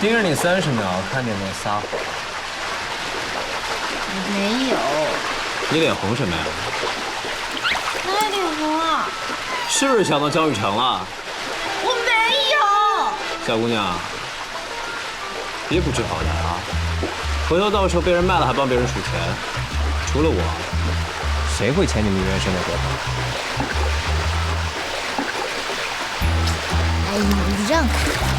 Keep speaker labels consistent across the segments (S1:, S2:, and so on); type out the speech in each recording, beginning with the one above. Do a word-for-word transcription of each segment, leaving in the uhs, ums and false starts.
S1: 盯着你三十秒，看见没撒谎？
S2: 没有。
S1: 你脸红什么呀？
S2: 哪里脸红啊？
S1: 是不是想到江雨城了？
S2: 我没有。
S1: 小姑娘，别不知好歹啊！回头到时候被人卖了还帮别人数钱，除了我，谁会欠你们原生的合同？
S2: 哎，你让开！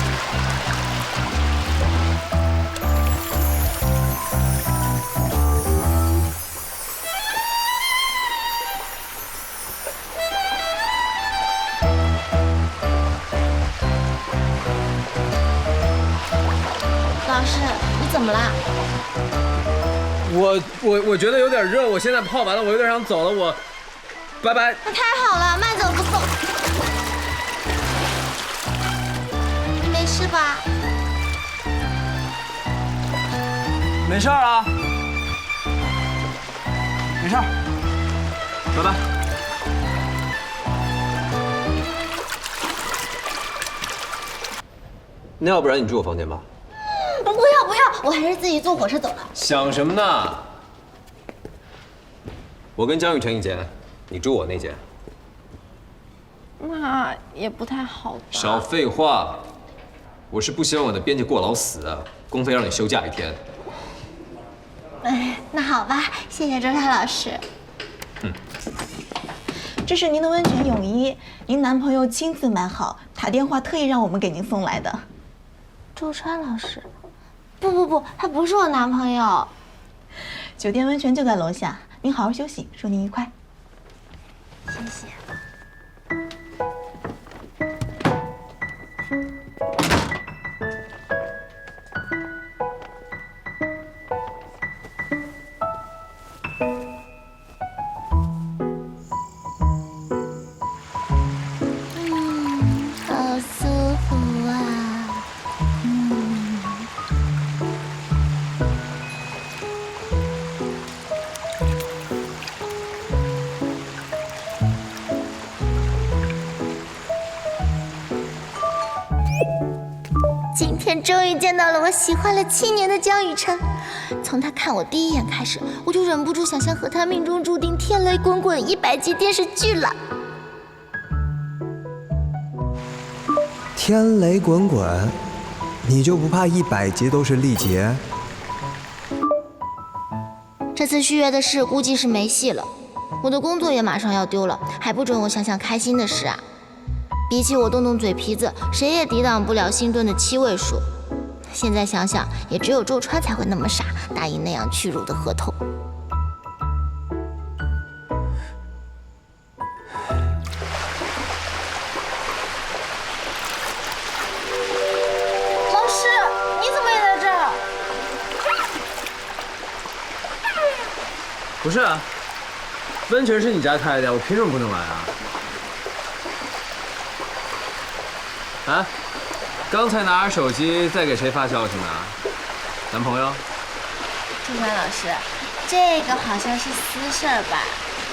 S2: 老师，你怎么啦？
S1: 我我我觉得有点热，我现在泡完了，我有点想走了，我拜拜。
S2: 那太好了，慢走不送。你没事吧？
S1: 没事儿啊，没事儿，拜拜。那要不然你住我房间吧？
S2: 不要不要，我还是自己坐火车走了。
S1: 想什么呢？我跟江雨晨一间，你住我那间。
S2: 那也不太好吧。
S1: 少废话，我是不希望我的编辑过劳死啊，公费让你休假一天。
S2: 哎，那好吧，谢谢周泰老师。
S1: 嗯，
S3: 这是您的温泉泳衣，您男朋友亲自买好，打电话特意让我们给您送来的。
S2: 周川老师，不不不，他不是我男朋友。
S3: 酒店温泉就在楼下，您好好休息，祝您愉快。
S2: 谢谢。今天终于见到了我喜欢了七年的江雨晨。从他看我第一眼开始，我就忍不住想象和他命中注定天雷滚滚一百集电视剧了。
S4: 天雷滚滚，你就不怕一百集都是力竭？
S2: 这次续约的事估计是没戏了，我的工作也马上要丢了，还不准我想想开心的事啊！比起我动动嘴皮子，谁也抵挡不了星顿的七位数。现在想想，也只有周川才会那么傻，答应那样屈辱的合同。
S3: 老师，你怎么也在这儿？
S1: 不是啊，温泉是你家开的，我凭什么不能来啊？啊，刚才拿着手机在给谁发消息呢？男朋友？
S2: 周川老师，这个好像是私事儿吧？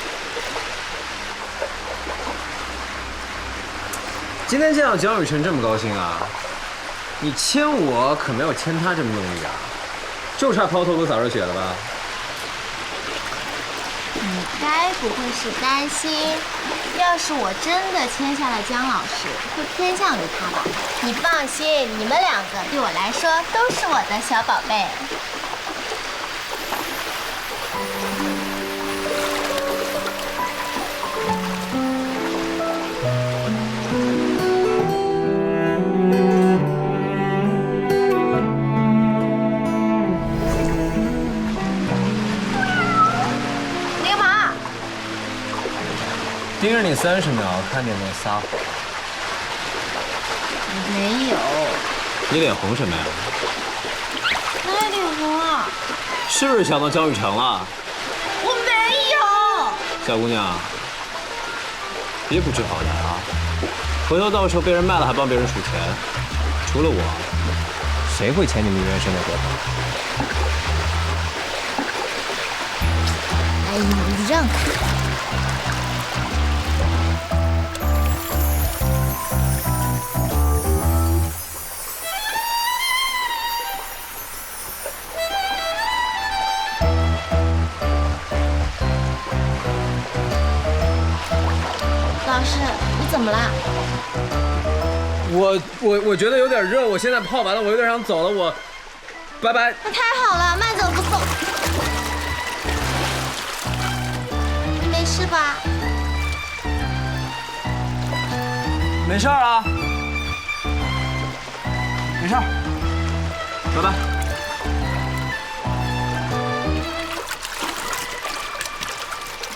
S1: 今天见到江雨晨这么高兴啊？你牵我可没有牵他这么用力啊，就差抛头颅洒热血了吧？
S2: 你该不会是担心，要是我真的签下了江老师，会偏向于他吧？你放心，你们两个对我来说都是我的小宝贝。
S1: 盯着你三十秒，看见没撒谎？
S2: 没有。
S1: 你脸红什么呀？
S2: 哪里脸红啊？
S1: 是不是想到江雨城了？
S2: 我没有。
S1: 小姑娘，别不知好歹啊！回头到时候被人卖了还帮别人数钱，除了我，谁会欠你们原生的合同？
S2: 哎，你让开！ 老师，你怎么啦？
S1: 我我我觉得有点热，我现在泡完了，我有点想走了，我拜拜。
S2: 那太好了，慢走不送。你没事吧？
S1: 没事啊，没事儿，拜拜。